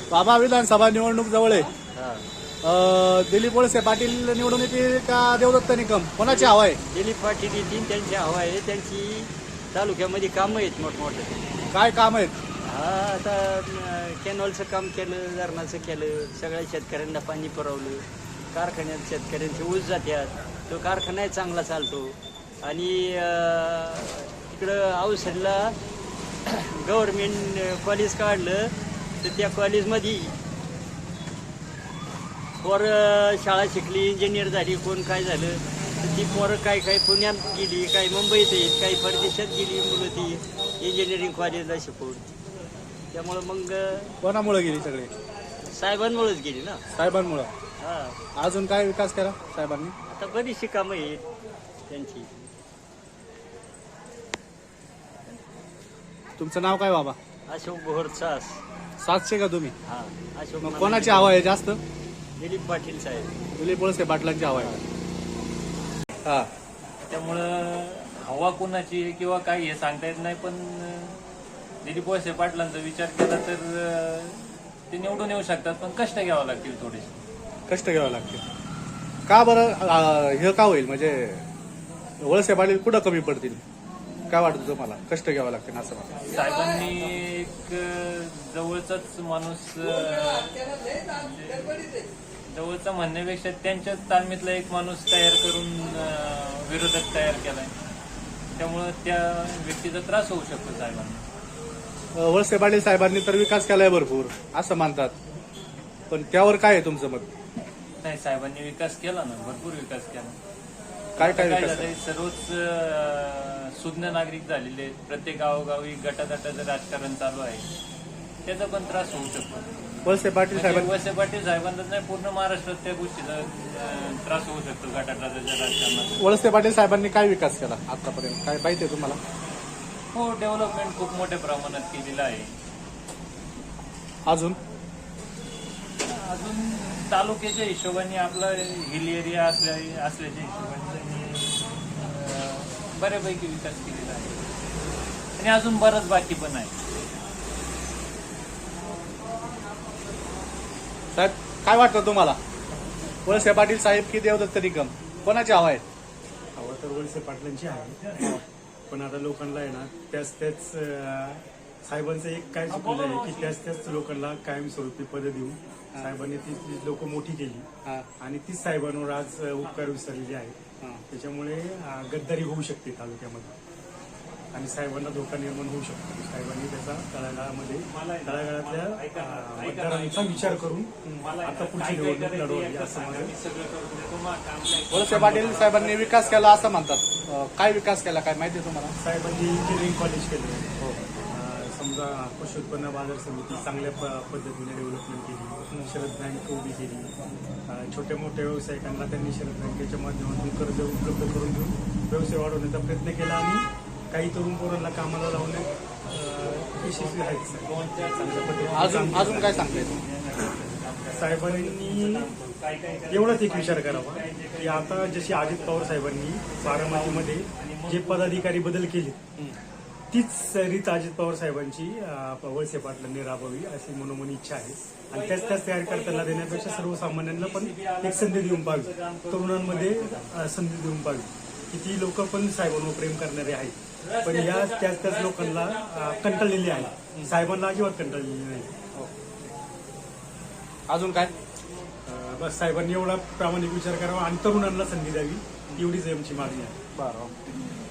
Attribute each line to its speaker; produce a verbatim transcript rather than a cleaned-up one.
Speaker 1: बाबा विधानसभा निवडणूक जवळ आहे.
Speaker 2: हा.
Speaker 1: अं, दिलीप वळसे पाटील निवडून येतील का देवदत्त निकम, कोणाची हवा आहे?
Speaker 2: दिलीप पाटील येतील, त्यांची हवा आहे. त्यांची तालुक्यामध्ये कामं आहेत मोठमोठे.
Speaker 1: काय काम आहेत?
Speaker 2: हा आता अं, कॅनॉलचं काम केलं, धरणाचं केलं, सगळ्या शेतकऱ्यांना पाणी पुरवलं, कारखान्यात शेतकऱ्यांचे ऊस जातात, तो कारखानाही चांगला चालतो. आणि अं, तिकडं औषधला गव्हर्मेंट कॉलेज काढलं तर त्या कॉलेजमध्ये पोरं शाळा शिकली, इंजिनियर झाली, कोण काय झालं तर ती पोरं काय काय पुण्यात गेली, काही मुंबईत येत, काही परदेशात गेली मुलं ती इंजिनिअरिंग कॉलेजला शिकवून. त्यामुळं मग
Speaker 1: कोणामुळे गेली सगळे?
Speaker 2: साहेबांमुळेच गेली ना.
Speaker 1: साहेबांमुळं.
Speaker 2: हा.
Speaker 1: अजून काय विकास केला साहेबांनी?
Speaker 2: आता बरीचशी कामं आहेत त्यांची.
Speaker 1: तुमचं नाव काय बाबा?
Speaker 2: अशोक भोर सास.
Speaker 1: सातशे का तुम्ही?
Speaker 2: हा. अशोक
Speaker 1: मग
Speaker 2: मला-
Speaker 1: कोणाची हवा आहे जास्त?
Speaker 2: दिलीप पाटील साहेब.
Speaker 1: दिलीप वळसे पाटलांची हवा आहे. हा.
Speaker 3: त्यामुळं हवा कोणाची आहे किंवा काय हे सांगता येत नाही. पण दिलीप वळसे पाटलांचा विचार केला तर अं, ते निवडून येऊ शकतात, पण कष्ट घ्यावं लागतील थोडेसे.
Speaker 1: कष्ट घ्यावं लागते. का बरं अं, हे का होईल म्हणजे वळसे पाटील कुठं कमी पडतील? काय वाटतं तुम्हाला? कष्ट घ्यावं लागतील असं मला.
Speaker 3: साहेबांनी एक अं, जवळचाच माणूस अं, जवळचा म्हणण्यापेक्षा त्यांच्याच तालमीतला एक माणूस तयार करून अं, विरोधक तयार केलाय. त्यामुळं त्या व्यक्तीचा त्रास होऊ शकतो साहेबांना.
Speaker 1: अं, वळसे पाटील साहेबांनी तर विकास केलाय भरपूर असं म्हणतात, पण त्यावर काय आहे तुमचं मत?
Speaker 3: नाही, साहेबांनी विकास केला ना, भरपूर विकास केला.
Speaker 1: काय काय
Speaker 3: काय
Speaker 1: विकास?
Speaker 3: झालंय, सर्वच अं, सुज्ञ नागरिक झालेले आहेत. प्रत्येक गावोगावी गटातटाचं राजकारण चालू आहे. त्याचा पण त्रास होऊ शकतो.
Speaker 1: वळसे पाटील
Speaker 3: म्हणजे
Speaker 1: साहेबांनी
Speaker 3: वळसे पाटील साहेबांनाच नाही, पूर्ण महाराष्ट्रात त्या गोष्टीचा अं, त्रास होऊ शकतो गटातटाच्या राजकारणात.
Speaker 1: वळसे पाटील साहेबांनी काय विकास केला आतापर्यंत काय माहिती आहे तुम्हाला?
Speaker 3: हो, डेव्हलपमेंट खूप मोठ्या प्रमाणात केलेलं आहे.
Speaker 1: अजून
Speaker 3: अजून तालुक्याच्या हिशोबाने आपला हिल एरिया असल्या असल्याच्या हिशोबाने त्यांनी अं, बऱ्यापैकी विकास केलेला आहे. आणि अजून बरंच बाकी पण आहे.
Speaker 1: साहेब काय वाटतं तुम्हाला? वळसे पाटील साहेब की देवदत्त निकम, कोणाची हवा आहे?
Speaker 4: हवा तर वळसे पाटलांची आहे, पण आता लोकांना आहे ना त्याच त्याच अं, साहेबांचं एक काय चुकलं आहे की त्याच त्याच लोकांना कायमस्वरूपी पदं देऊन साहेबांनी ती ती लोक मोठी केली
Speaker 1: हा.
Speaker 4: आणि तीच साहेबांवर आज अं, उपकार विसरलेले आहेत.
Speaker 1: हा.
Speaker 4: त्याच्यामुळे अं, गद्दारी होऊ शकते तालुक्यामध्ये आणि साहेबांना धोका निर्माण होऊ शकतो. साहेबांनी त्याचा तळागाळामध्ये तळागाळातल्या अं, मतदारांचा विचार करून आता पुढची निवडणूक लढवावी असं माझं.
Speaker 1: वळसे पाटील साहेबांनी विकास केला असं म्हणतात, अं, काय विकास केला काय माहिती आहे तुम्हाला?
Speaker 4: साहेबांनी इंजिनिअरिंग कॉलेज केलं. हो. समजा कृषी उत्पन्न बाजार समिती चांगल्या प- पद्धतीने डेव्हलपमेंट केली. शरद बँक उभी केली. अं, छोट्या मोठ्या व्यावसायिकांना त्यांनी शरद बँकेच्या माध्यमातून कर्ज उपलब्ध करून देऊन व्यवसाय वाढवण्याचा प्रयत्न केला आणि काही तरुण पोरांना कामाला लावण्यात अं, यशस्वी आहेत. चांगल्या पद्धतीने
Speaker 1: अजून
Speaker 4: काम
Speaker 1: अजून काय सांगता येतं?
Speaker 4: साहेबांनी एवढाच एक विचार करावा की आता जशी अजित पवार साहेबांनी बारामतीमध्ये जे पदाधिकारी बदल केले तीच रीत अजित पवार साहेबांची अं, वळसे पाटलांनी राबवावी अशी मनोमनी इच्छा आहे. आणि त्याच त्याच तयार करताना देण्यापेक्षा सर्वसामान्यांना पण एक संधी देऊन पाहावी, तरुणांमध्ये अं, संधी देऊन पाहावी. किती लोक पण साहेबांवर प्रेम करणारे आहेत, पण या त्याच त्याच लोकांना अं, कंटाळलेली आहे. साहेबांना अजिबात कंटाळलेली नाही.
Speaker 1: अजून काय?
Speaker 4: अं, बस साहेबांनी एवढा प्रामाणिक विचार करावा आणि तरुणांना संधी द्यावी एवढीच आमची मागणी आहे.
Speaker 1: बरं.